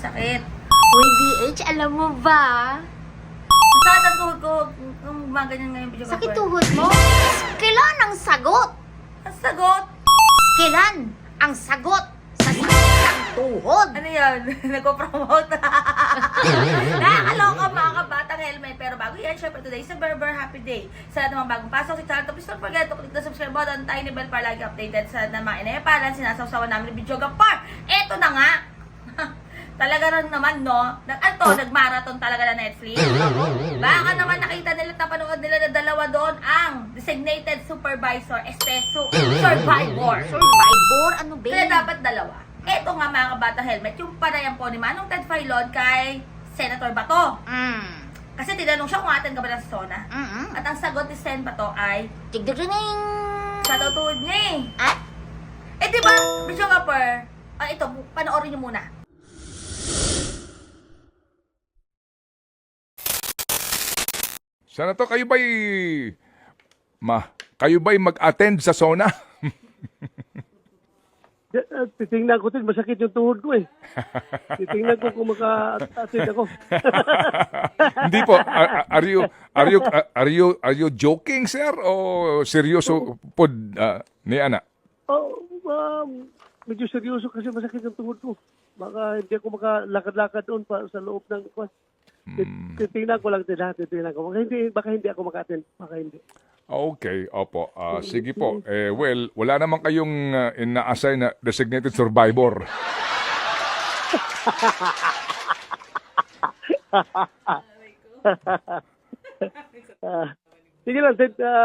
sakit. Uy, BH, alam mo ba? Saan ang tuhod ko? Kung gumaganyan ngayon video Sakit tuhod mo? Kailan ang sagot? Ang sagot? Kailan ang sagot sa sakit ng tuhod? Ano yan? Nagpo-promote. Nakakaloka mga kabatang helmet. Pero bago yan, syempre today is a Berber Happy Day. Sa lahat ng mga bagong pasok sa channel, please don't forget to click the subscribe button, tiny bell para lagi updated sa lahat ng mga inayapalan, sinasawsawan namin ng video gapar. Eto na nga! Talaga rin naman, no? Nag-marathon talaga na Netflix. Baka naman nakita nila, napanood nila na dalawa doon ang Designated Supervisor, Survivor. Survivor? Ano ba? Kaya dapat dalawa. Eto nga mga kabata helmet, yung panayam po ni Manong Ted Filon kay Senator Bato. Kasi tinanong siya kung atin ka ba ng SONA. At ang sagot ni Sen Bato ay, Tigdirining! sa tutuod niya eh. Ah? Eh diba, Bisyo Kapar, ito, panoorin niyo muna. Senator, kayo ba'y mag-attend sa SONA? Titingnan ko din, masakit yung tuhod ko eh. Titingnan ko kung maka-attend ako. Hindi po. Are you joking, sir? O seryoso po ni Ana? Oh, medyo seryoso kasi masakit yung tuhod ko. Baka hindi ako makalakad-lakad doon pa sa loob ng kwan. Titingnan ko lang din ha, titingnan ko. Baka hindi ako maka-attend. Baka hindi. Okay, opo. Sige po. Well, wala naman kayong ina-assign na designated survivor. Sige lang,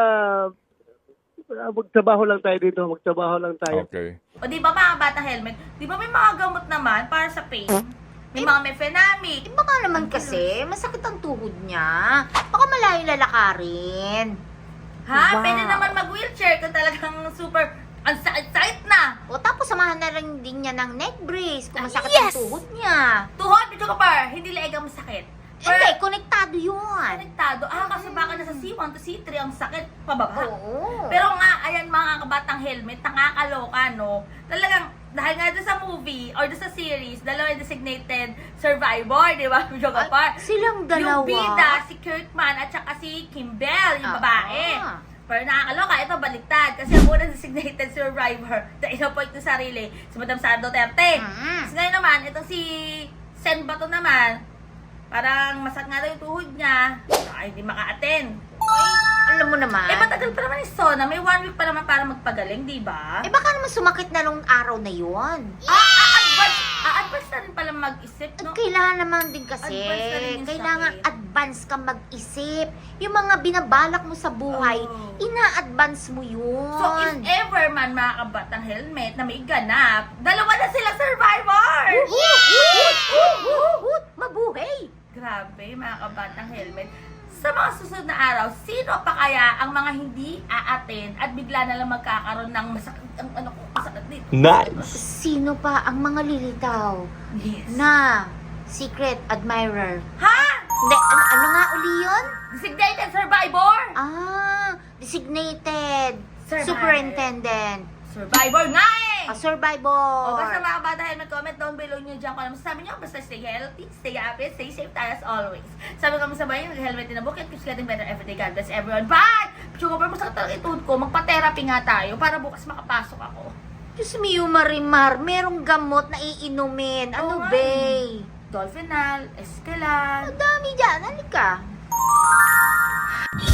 magtrabaho lang tayo dito. Magtrabaho lang tayo. Okay. O di ba mga bata helmet, di ba may mga gamot naman para sa pain? May mga mefenamic. Baka naman kasi, masakit ang tuhod niya. Baka malayo lalakarin. Ha? Diba? Pwede naman mag-wheelchair kung talagang super ang sakit na. O tapos samahan na rin din niya ng neck brace kung masakit ang tuhod niya. Tuhod, Bisyo Kapar, hindi leeg ang masakit. Hindi, konektado yun. Konektado. Kasi baka nasa C1 to C3 ang sakit pababa. Oo. Pero nga, ayan mga kabatang helmet, nakakaloka, no? Talagang, dahil nga doon sa movie or doon sa series, dalawa yung designated survivor, di ba, Bisyo Kapar? Silang dalawa. Yung bida, si Kirkman at saka si Kimbell, yung babae. Pero nakakaloka, ito baliktad. Kasi ang unang designated survivor na inapoint ng sarili, si Madam Sara Duterte. Kasi ngayon naman, itong si Sen Bato naman, parang masakit nga daw yung tuhod niya, ay hindi maka-attend. Alam mo naman. Matagal pa naman yung SONA, may 1 week pa naman para magpagaling, di ba? Baka naman sumakit na nung araw na yun. Advance na rin pala mag-isip, no? Kailangan naman din kasi, Advance na rin yung kailangan sakit. advance ka mag-isip. Yung mga binabalak mo sa buhay, Oh. ina-advance mo yun. So, if ever man mga kabatang helmet na may ganap, dalawa na sila survivor! Mabuhay! Grabe, mga kabatang helmet. Sa mga susunod na araw, sino pa kaya ang mga hindi a-attend at bigla na lang magkakaroon ng masakit dito? Nice! Sino pa ang mga lilitaw Yes. na secret admirer? Ha? Hindi, ano nga uli yun? Designated survivor? Designated Survivor. superintendent. Survivor nga eh! Survivor. O basta mga bata, helmet, comment down below nyo dyan kung ano masasabi nyo. Basta stay healthy, stay happy, stay safe tayo as always. Sabi ko sabay yung helmet din na book. It keeps getting better every day. God bless everyone. Bye! Sugar pa masakit talaga ituod ko. Magpa-therapy nga tayo para bukas makapasok ako. Diyos mio, Marimar, merong gamot na iinumin. Ano, Oo nga bay? Dolphinal, Escalan. Ang dami dyan. Halika.